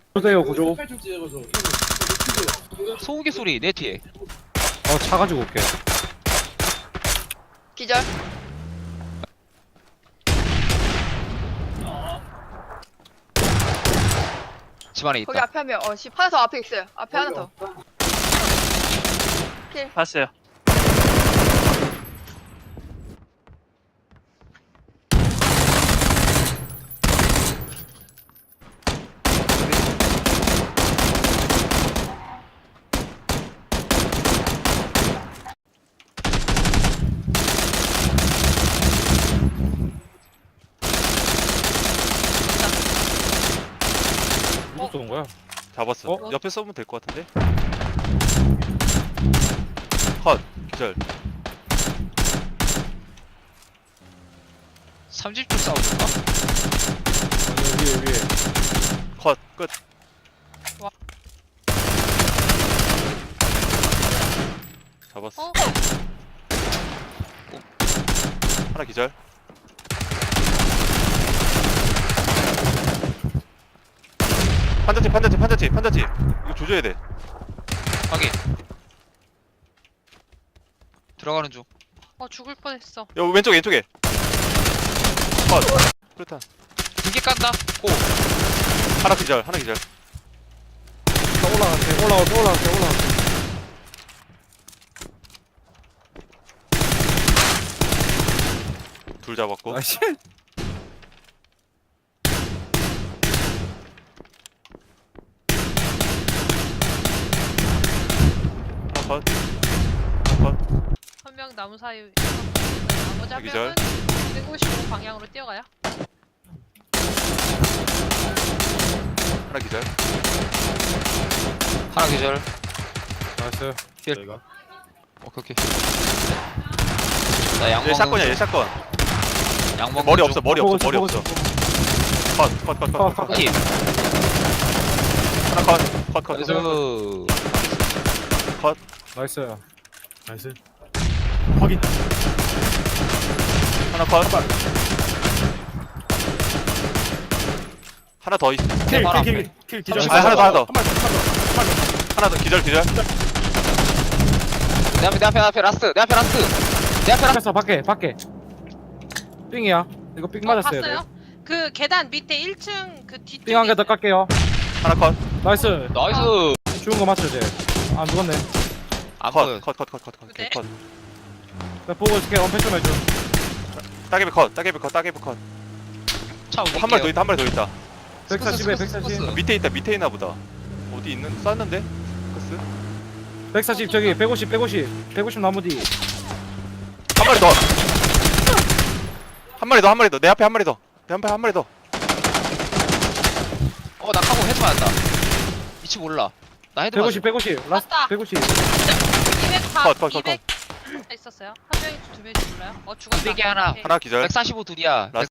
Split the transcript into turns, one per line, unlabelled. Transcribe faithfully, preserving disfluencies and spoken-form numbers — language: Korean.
보세요 구조.
소음기 소리 내 뒤에.
어 차 가지고 올게.
기절.
집 안에
거기
있다.
앞에 한 명. 어, 씨, 하나 더 앞에 있어요. 앞에 하나 더. 킬.
봤어요.
누구 쏘는 거야?
잡았어.
어?
옆에 쏘면 될 것 같은데? 컷. 기절.
삼십 초 싸우던가?
아니 위에 위에.
컷. 끝.
와.
잡았어.
어?
하나 기절. 판자집 판자집 판자집 판자집. 이거 조져야 돼.
확인. 들어가는 중.
어, 죽을 뻔했어.
여기 왼쪽에 왼쪽에. 컷. 그렇다.
두 개 깐다. 고.
하나 기절. 하나 기절.
또 올라갈게 올라갈게 올라갈게 올라갈게.
둘 잡았고.
아씨.
하나 컷. 하나 컷.
한 명 나무 사이 나머지 한
기절.
명은 백오십오 방향으로 뛰어가요.
하나 기절.
하나 기절.
나이스.
킬.
저희가.
오케이 오케이. 나 양
얘
먹는
샷건이야.
중.
얘 샷건.
양 먹는
머리
중.
없어. 머리
보고
없어.
있어,
머리
보고
없어.
있어.
컷. 컷. 컷. 컷. 컷. 컷.
팀.
하나 컷. 컷. 컷.
나이스.
컷.
나이스. 나이스. 확인.
하나 컷. 하나 더 있.
킬,
바로
킬,
앞에.
킬, 킬, 기절.
아, 하나
더, 하나 더.
한 발 더, 한 발 더, 한 발 더.
하나 더 기절 기절.
내 앞에 내 앞에 내 앞에 라스트. 내 앞에 라스트. 내 앞에 라스트.
뺏어 밖에, 밖에. 삥이야. 이거 삥 맞았어야 돼.
봤어요? 그 계단 밑에 일 층 그 뒤쪽에
삥 한 개 더 깎게요.
하나 컷.
나이스.
나이스.
죽은 거 맞죠, 이제? 아, 죽었네.
안
컷.
보여.
컷. 컷. 컷. 컷. 컷.
네.
컷.
나 보고 있을게. 원패 좀 해줘.
따개비 컷. 따개비 컷. 따개비 컷.
차
한 마리 더 있다. 한 마리 더 있다.
백사십에
스커스, 스커스,
백사십.
스커스.
밑에 있다. 밑에 있나 보다. 어디 있는? 쐈는데? 커스?
백사십 저기 백오십 백오십 백오십 나무 뒤.
한 마리 더. 한 마리 더. 한 마리 더. 내 앞에 한 마리 더. 내 앞에 한 마리 더.
어, 나 카고 헤드 맞았다. 위치 몰라. 나 헤드
백오십
맞았어.
백오십 라스트
맞다.
백오십.
이백 다
컷, 컷, 컷,
이백 있었어요. 한 명이 두 명이 몰라요? 어 죽었다.
이백이 하나.
오케이.
하나 기절.
백사십오 둘이야.